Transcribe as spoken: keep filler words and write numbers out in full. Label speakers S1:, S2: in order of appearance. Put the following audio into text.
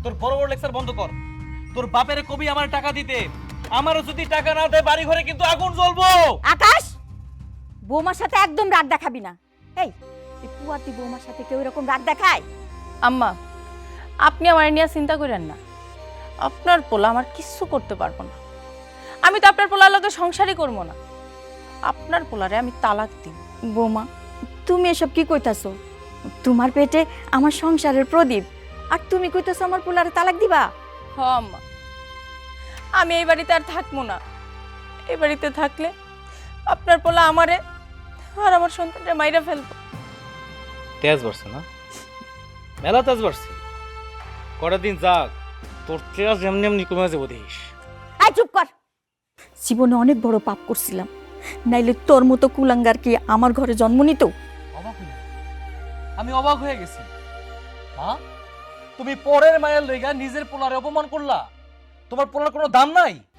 S1: তোর বড় বড় লেকচার বন্ধ কর। তোর বাপের কবি আমার টাকা দিতে, আমারও যদি টাকা না দেয় বাড়ি ঘরে কিন্তু আগুন জ্বলবো।
S2: আকাশ, বৌমার সাথে একদম রাগ দেখাবি না। এই এই পুয়াতি বৌমার সাথে কেউ এরকম রাগ দেখায়?
S3: আম্মা, আপনি আমার নিয়ে চিন্তা করেন না। আপনার পোলা আমার কিচ্ছু করতে পারবো না। আমি তো আপনার পোলার লগে সংসারই করবো না। আপনার পোলারে আমি তালাক দিই।
S2: বৌমা, তুমি এসব কি কইতাছো? তোমার পেটে আমার সংসারের প্রদীপ, আর তুমি কইতাছো আমার পোলারে তালাক দিবা?
S3: হ আম্মা, আমি এই বাড়িতে আর থাকবো না। এই বাড়িতে থাকলে আপনার পোলা আমারে আর আমার সন্তানরে মাইরা ফেলবো।
S1: তেজ বাড়ছে না, মেলা তেজ বাড়ছে। কটা দিন যাক, তোর তেজ এমনি এমনি কমে যাবো দেখিস।
S2: আই চুপ কর। জীবনে অনেক বড় পাপ করছিলাম, নাইলে তোর মতো কুলাঙ্গার কি আমার ঘরে জন্ম নিত?
S1: অবাক হইলাম, আমি অবাক হয়ে গেছি। হ্যাঁ, তুমি পরের মায়ের লইগা নিজের পোলারে অপমান করলা। তোমার পোলার কোনো দাম নাই?